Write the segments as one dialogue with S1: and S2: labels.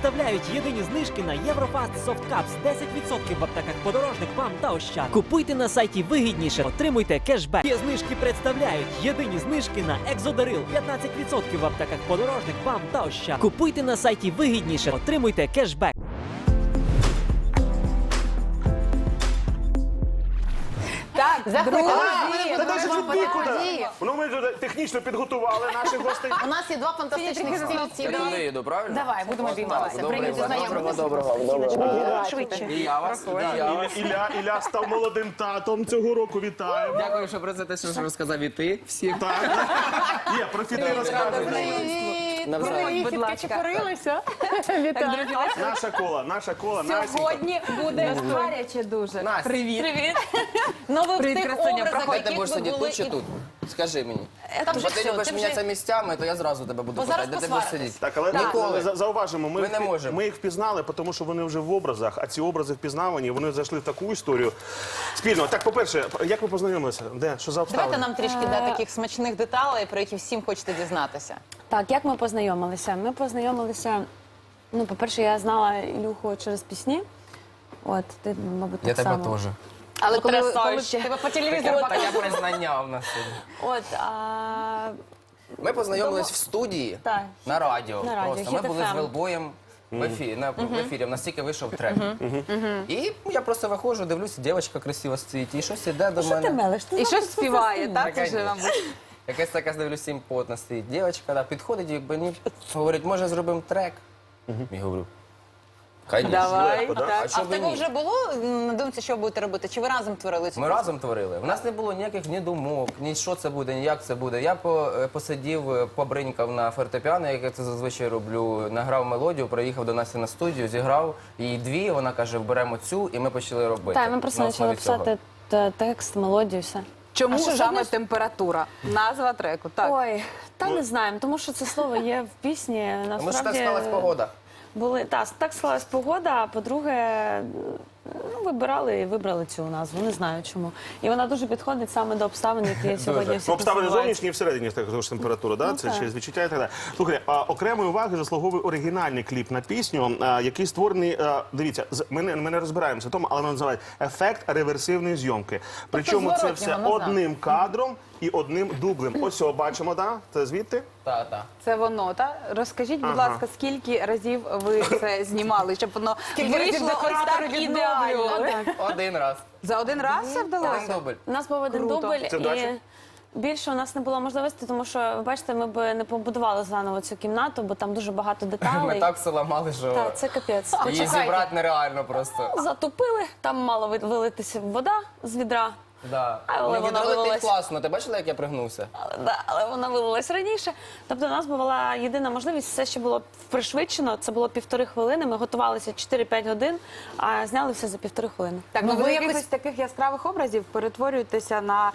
S1: представляють єдині знижки на Єврофаст Soft Cups 10% в аптеках Подорожник, ПАМ та Ощад. Купуйте на сайті вигідніше, отримуйте кешбек. Ці знижки представляють єдині знижки на Екзодарил 15% в аптеках Подорожник, ПАМ та Ощад. Купуйте на сайті вигідніше, отримуйте кешбек.
S2: Так,
S3: Заходьте.
S4: Та дай же відбій куди? Ну, ми тут технічно підготували наших гостей.
S3: У нас є два фантастичних стільці.
S5: Я туди йду, правильно?
S3: Давай, будемо обійматися.
S5: Доброго,
S3: Прийдіть знайомитися.
S5: доброго.
S3: Швидше.
S5: І я вас, і я вас.
S4: Ілля став молодим татом цього року, вітаємо.
S5: Дякую, що про це те, що розказав і ти всім.
S4: Так. Є, про фіти розказуєш.
S5: Навзаєм.
S2: Будь ласка. Чепурилися. Вітаю.
S4: Наша кола, Насенька.
S2: Сьогодні буде гаряче дуже.
S5: Настя.
S2: Привіт. Ну ви в
S3: Привіт,
S2: тих
S3: красуня.
S2: образах,
S5: Проходь, ти
S2: яких
S5: будеш
S2: ви
S5: сидіти
S2: були
S5: тут чи
S2: і...
S5: тут? Скажи мені.
S3: Там же
S5: Бо ти
S3: все,
S5: любиш
S3: ти вже-
S5: мінятися місцями, то я зразу тебе буду
S3: Бо зараз
S5: питати, де ти будеш
S3: посваритесь.
S5: сидіти.
S4: Так, але
S5: Ніколи.
S4: зауважимо,
S5: Ми не можемо.
S4: ми їх впізнали, тому що вони вже в образах, а ці образи впізнавані, вони зайшли в таку історію спільно. Так, по-перше, як ви познайомилися? Де? Що за
S3: Давайте
S4: обставини?
S3: нам трішки таких смачних деталей, про які всім хочете дізнатися.
S6: Так, як ми познайомилися? Ми познайомилися, ну, по-перше, я знала Ілюху через пісні. От, ти, мабуть,
S5: Я
S6: так
S5: тебе
S6: само.
S5: теж.
S3: Але коли
S6: Потрясающе.
S3: тебе по телевізору
S5: Таке признання в нас сьогодні.
S6: От,
S5: Ми познайомились в студії
S6: Так.
S5: на радіо.
S6: На радіо,
S5: Просто ми
S6: Hit
S5: були з
S6: FM.
S5: Велбоєм в ефірі. В нас тільки вийшов трек. І я просто виходжу, дивлюся, дівчинка красиво стоїть, і щось іде до
S6: Що ти
S5: мене.
S6: мелиш? Ти
S2: І щось співає, так?
S5: Та,
S2: Уже вам
S5: конечно. Якась така, дивлюся, симпотна стоїть. Дівчинка да, підходить і мені говорить, може зробимо трек? Я говорю, конечно.
S2: Давай.
S4: Легко, да?
S2: Так.
S5: А
S3: А
S5: що
S3: в
S5: ви
S3: тебе
S5: ні?
S3: вже було на думці, що будете робити? Чи ви разом творили цю
S5: Ми
S3: пісню?
S5: разом творили. У нас не було ніяких ні думок, ні що це буде, ні як це буде. Я посидів, побринькав на фортепіано, як я це зазвичай роблю, награв мелодію, приїхав до Насті на студію, зіграв їй дві, вона каже, беремо цю, і ми почали робити.
S6: Так, ми просто
S5: На
S6: почали
S5: основі цього.
S6: писати текст, мелодію, все.
S2: Чому
S6: А що,
S2: саме
S6: жодної-
S2: температура? Назва треку, так.
S6: Ой, та не знаємо, тому що це слово є в пісні.
S5: Тому що так
S6: Насправді,
S5: склалась погода.
S6: так склалась погода, а по-друге, ну, вибрали цю назву, не знаю чому. І вона дуже підходить саме до обставин, які сьогодні всі
S4: Ну, обставини
S6: називають.
S4: зовнішні і всередині також температура, да?
S6: Ну,
S4: Це
S6: так.
S4: через відчуття і так далі. Слухайте, окремої уваги заслуговує оригінальний кліп на пісню, який створений, дивіться, ми не розбираємося в тому, але вони називають ефект реверсивної зйомки. Причому це
S3: зворотнього
S4: все
S3: назад.
S4: одним кадром і одним дублем. Ось цього бачимо, да? Це звідти?
S5: Та.
S2: Це воно, так? Розкажіть, будь
S4: Ага.
S2: ласка, скільки разів ви це знімали, щоб воно
S3: Скільки разів
S2: вийшло ось
S3: декоратори
S2: так ідеально?
S5: Один раз.
S2: За один раз це
S5: Один
S2: вдалося?
S5: дубль.
S6: У нас був один
S2: Круто.
S6: дубль,
S4: Це вдача?
S6: і більше у нас не було можливості, тому що, ви бачите, ми б не побудували заново цю кімнату, бо там дуже багато
S5: Ми
S6: деталей.
S5: так все ламали, що
S6: Так, це капець.
S5: її зібрати нереально просто.
S6: Затопили, там мала вилитися вода з відра,
S5: Да.
S6: Але
S5: Ну,
S6: вона
S5: відро летить
S6: вилилась.
S5: класно. Ти бачила, як я пригнувся?
S6: але вона вилилась раніше. Тобто у нас була єдина можливість, все ще було пришвидшено, це було 1,5 хвилини, ми готувалися 4-5 годин, а зняли все за 1,5 хвилини.
S2: Так,
S3: Ну,
S2: ну ви
S3: ви
S2: якихось
S3: якось-
S2: таких яскравих образів перетворюєтеся на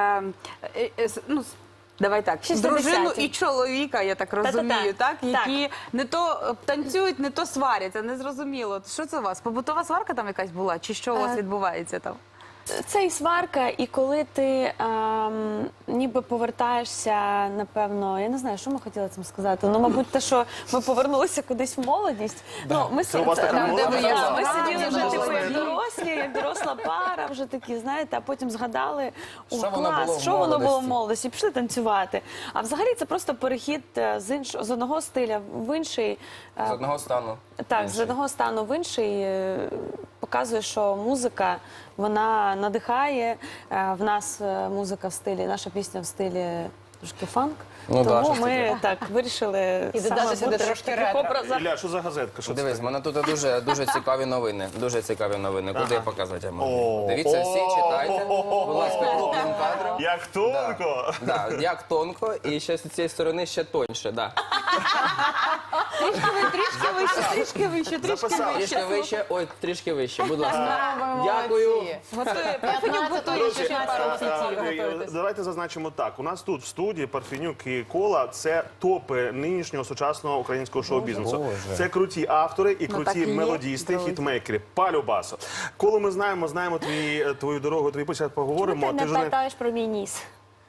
S2: давай так,
S6: 60-ті.
S2: дружину і чоловіка, я так розумію, так?
S6: Так.
S2: Які не то танцюють, не то сваряться, незрозуміло. Що це у вас? Побутова сварка там якась була? Чи що у вас відбувається там?
S6: Це і сварка, і коли ти ніби повертаєшся, напевно, я не знаю, що ми хотіли цим сказати. Ну, мабуть, те, що ми повернулися кудись в молодість. Ну, ми
S4: Це у вас така молода
S6: ми
S4: була?
S6: сиділи вже типу,
S2: молоді.
S6: як дорослі, як доросла пара, вже такі, знаєте, а потім згадали, о,
S5: Що воно було
S6: клас,
S5: в
S6: що воно було в
S5: молодості?
S6: молодості, і пішли танцювати. А взагалі це просто перехід з одного стиля в інший.
S5: З одного стану.
S6: Так, з одного стану в інший показує, що музика, вона надихає. В нас музика в стилі, наша пісня в стилі трошки фанк.
S5: Ну, да,
S6: тому
S5: щось
S6: ми так вирішили
S3: І
S6: саме
S3: додати сюди
S6: бути
S3: трошки
S6: в таких
S3: ретро.
S6: образах.
S4: Ілля, що за газетка? Що це?
S5: Дивись, в мене тут дуже цікаві новини. Дуже цікаві новини. Куди я показати я можу?
S4: О,
S5: Дивіться, всі
S4: о,
S5: читайте. Будь ласка, крупним кадром.
S4: Як тонко!
S5: Да, як тонко, і ще з цієї сторони ще тоньше, да.
S2: Трішки вище,
S4: Записав.
S5: Трішки вище, ой, трішки вище, будь ласка.
S3: Ви
S5: Дякую.
S3: молодці.
S2: Готує,
S3: 15-го
S4: Друзі,
S3: ще пару сітів готуєтесь.
S4: давайте зазначимо так. У нас тут в студії Парфенюк і Кола – це топи нинішнього сучасного українського шоу-бізнесу.
S5: Боже.
S4: Це круті автори і
S2: так
S4: круті
S2: і є,
S4: мелодісти,
S2: друзі.
S4: хітмейкери. Палю басо. Коли ми знаємо твою дорогу, твій початок
S6: Чому
S4: поговоримо.
S6: ти
S4: Ти
S6: не
S4: ж не...
S6: питаєш про мій ніс?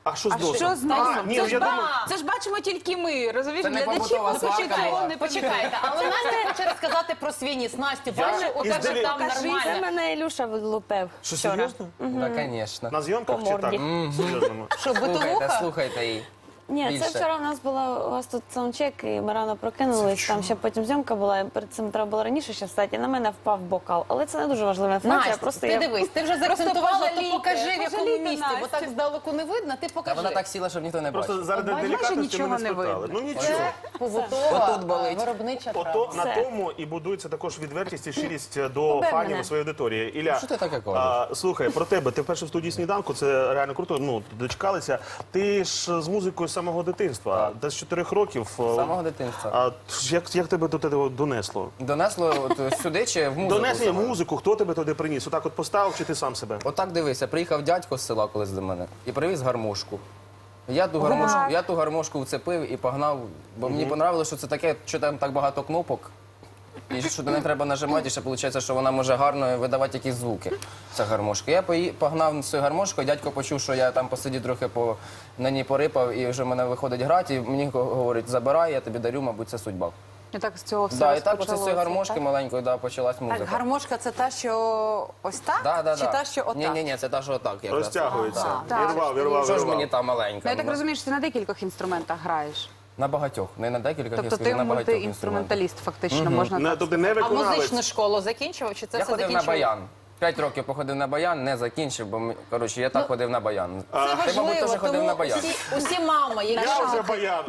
S4: А що з носом?
S2: Що з носом?
S4: Ні,
S2: Це ж
S4: я думаю...
S2: це ж бачимо тільки ми, розумієш?
S5: Це не
S2: Глядачі
S5: побутова
S2: не
S5: сварка
S2: почитають,
S5: була.
S2: не
S3: Почекайте, але Настя хоче розказати про свій ніс. Настю, бачу, у
S4: із
S3: тебе
S4: делі-
S3: там
S6: Це
S3: нормально.
S6: мене Ілюша влупив.
S4: Що,
S6: вчора.
S4: серйозно?
S5: Так, звісно.
S4: На зйомках
S6: По
S4: чи так?
S6: морді.
S4: Серйозно.
S3: Що, битовуха?
S5: Слухайте її.
S6: Ні,
S5: Більше.
S6: це вчора у нас була у вас тут саундчек, і ми рано прокинулись. Там ще потім зйомка була. І перед цим треба було раніше ще встати. І на мене впав бокал. Але це не дуже важлива інформація.
S3: Настя,
S6: Просто
S3: ти
S6: я
S3: дивись, ти вже заакцентувала, то
S2: пожалійте,
S3: покажи, в якому
S2: пожалійте
S3: місці, бо
S2: Настю.
S3: так здалеку не видно, ти
S5: Та
S3: покажи.
S5: вона так сіла, щоб ніхто не бачив.
S4: Просто заради
S2: Бачиш,
S4: делікатності
S2: нічого
S4: ми не
S2: не
S4: спитали.
S2: видно.
S4: Ну нічого.
S3: Це побутова
S5: Отут болить.
S3: виробнича
S4: Ото
S3: травма.
S4: на
S6: Все.
S4: тому і будується також відвертість і щирість до
S6: Побив
S4: фанів
S6: мене.
S4: і своєї аудиторії. Ілля,
S5: Що ти таке кажеш?
S4: слухай, про тебе. Ти вперше в студії «Сніданку», це реально круто, ну, дочекалися. Ти ж з музикою з самого дитинства, десь з 4 років.
S5: З самого дитинства.
S4: А як тебе до тебе донесло?
S5: Донесло от сюди чи в музику?
S4: Донесення
S5: саме?
S4: музику, хто тебе туди приніс? Отак от поставив чи ти сам себе?
S5: Отак дивися, приїхав дядько з села колись до мене і привіз гармошку. Я ту гармошку вцепив і погнав, бо мені понравилося, що це таке, що там так багато кнопок. І що не треба нажимати, і ще виходить, що вона може гарно видавати якісь звуки, ця гармошка. Я погнав з цією гармошкою, дядько почув, що я там посидів трохи на ній порипав, і вже мене виходить грати, і мені говорить, забирай, я тобі дарю, мабуть, це судьба.
S2: І так з цього все
S5: Да, і так оце з
S2: розпочалося,
S5: цієї гармошки
S2: так?
S5: маленької почалась музика.
S7: Так, гармошка це та, що ось так?
S5: Да.
S7: Чи та, що отак?
S5: Ні, це та, що отак. якраз.
S4: Розтягується.
S2: Так.
S4: Вірвав.
S5: Що ж мені та маленька?
S2: Ну, я так розумію, що ти на декількох інструментах граєш.
S5: На багатьох, не на декілька
S2: Тобто ти
S5: на багатьох інструментах.
S2: мультиінструменталіст, фактично, можна так.
S4: Тобто не
S3: А
S4: виконавець.
S3: музичну школу закінчував, чи це
S5: Я
S3: все
S5: ходив на
S3: закінчував?
S5: баян. 5 років походив на баян, не закінчив, бо коротше, я так ходив на баян.
S3: Це
S5: Ти, мабуть,
S3: важливо,
S5: теж ходив на
S3: тому
S5: баян.
S3: усі мами, які
S4: Я вже баян.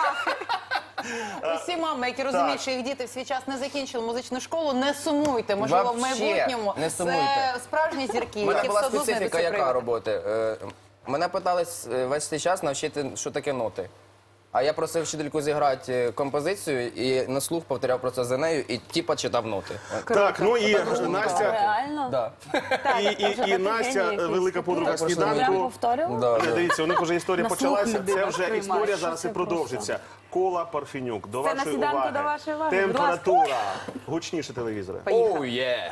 S3: усі мами, які розуміють, що їх діти в свій час не закінчили музичну школу, не сумуйте. Можливо, в
S5: Вообще
S3: майбутньому
S5: не сумуйте.
S3: це справжні зірки,
S5: У мене
S3: які
S5: була
S3: все одно
S5: специфіка,
S3: знайдуться
S5: яка
S3: приводи.
S5: роботи. Мене питались весь цей час навчити, що таке ноти. А я просив вчительку зіграти композицію і на слух повторяв про це за нею і типа читав ноти.
S4: Так, ну і Настя,
S6: Реально?
S5: Да.
S4: і Настя, велика подруга
S5: Так,
S6: Прям
S4: «Сніданку».
S6: повторював?
S5: Да.
S4: Дивіться, у них вже історія
S2: На слух
S4: почалася.
S2: людина
S4: Це вже
S2: сприймає.
S4: історія зараз і
S6: Що це
S4: продовжиться. Кола Парфенюк. До
S2: Це на
S4: вашої
S2: «Сніданку»
S4: уваги.
S2: до вашої уваги. Будь ласка.
S4: Температура. Гучніше телевізори.
S5: Оу, є!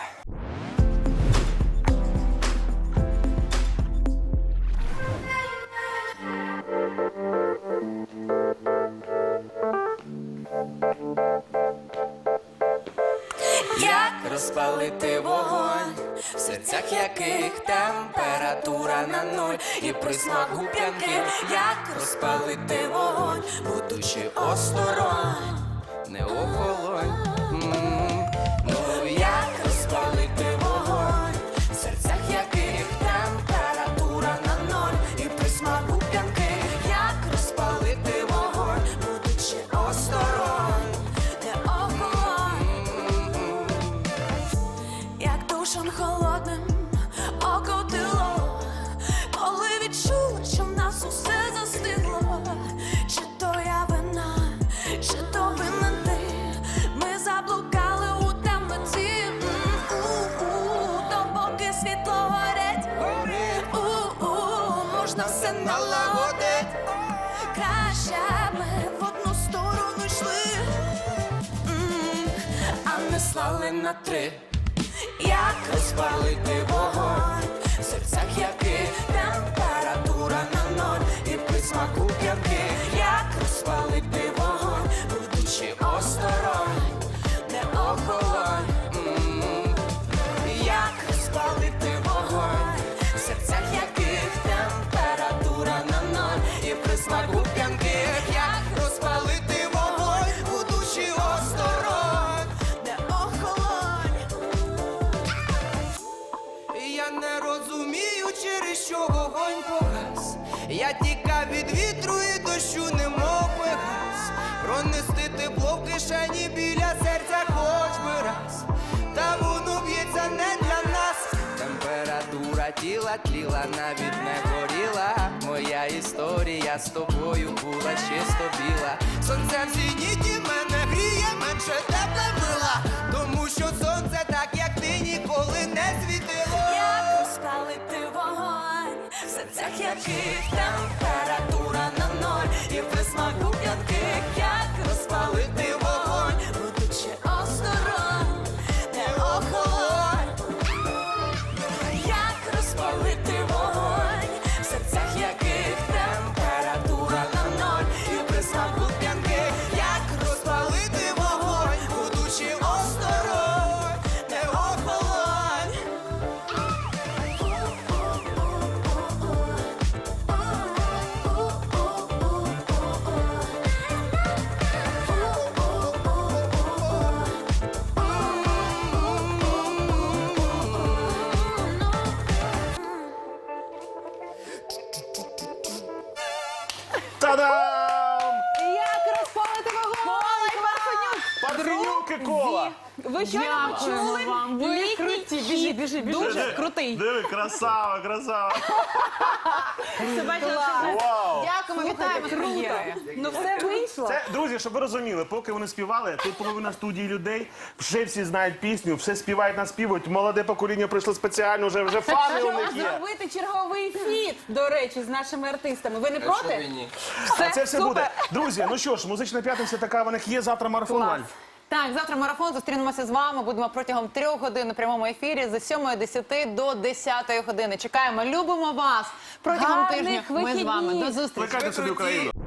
S8: Як розпалити вогонь, в серцях яких температура на нуль і присмак губ'янки, як розпалити вогонь, будучи осторонь, не охолонь. Ну як розпалити вогонь, в серцях яких температура на ноль і присмак губ'янки, як розпалити вогонь, будучи осторонь, не охолонь. Як душем холодним окотило, коли відчула, що в нас усе застигло. Чи то я вина, чи то винен ти, ми заблукали у темноті. Допоки світло горить, можна все налагодить. Краще ми в одну сторону йшли, а не слали на три. Як розпалити вогонь, в серцях яких температура на ноль і присмак губ'янки, як розпалити вогонь, будучи осторонь, не охолонь. Як розпалити вогонь, в серцях яких температура на ноль і присмак губ'янки, як розпалити вогонь, будучи осторонь, не охолонь.
S9: Я не розумію, через що вогонь погас. Я тікав від вітру і дощу, немов пегас. Пронести тепло в кишені біля серця хоч би раз. Та воно б'ється не для нас. Температура тіла тліла, навіть не горіла. Моя історія з тобою була чисто біла. Сонце в зеніті мене гріє, менше тепле мила. Тому що сонце так, як ти, ніколи не світило.
S8: Як розпалити вогонь, в серцях яких температура на ноль і присмак губ'янки, як розпалити вогонь, будучи осторонь, не охолонь. Як розпалити вогонь, в серцях яких температура
S4: Кока-Кола.
S2: Ви що почули?
S3: Ви круті. Біжи, біжи, біжи.
S2: Дуже крутий.
S4: Диви, красава, красава. Вау.
S3: Дякуємо, вітаємо з прем'єрою.
S2: Ну все вийшло.
S4: Це, друзі, щоб ви розуміли, поки вони співали, тут половина студії людей, вже всі знають пісню, все співають, наспівують. Молоде покоління прийшло спеціально, вже фани у них
S2: Щоб
S4: є.
S2: зробити черговий фіт, до речі, з нашими артистами. Ви не
S5: Що ви
S2: проти?
S5: ні?
S4: А це все
S2: супер.
S4: буде. Друзі, ну що ж, музична п'ятниця така, в них є, завтра марафон.
S2: Клас.
S4: Валь.
S3: Так, завтра марафон, зустрінемося з вами. Будемо протягом 3 годин у прямому ефірі з 7:10 до 10 години. Чекаємо, любимо вас. Протягом
S2: Гарних
S3: тижня ми з вами.
S2: вихідних.
S3: До зустрічі.
S4: Плекайте собі Україну.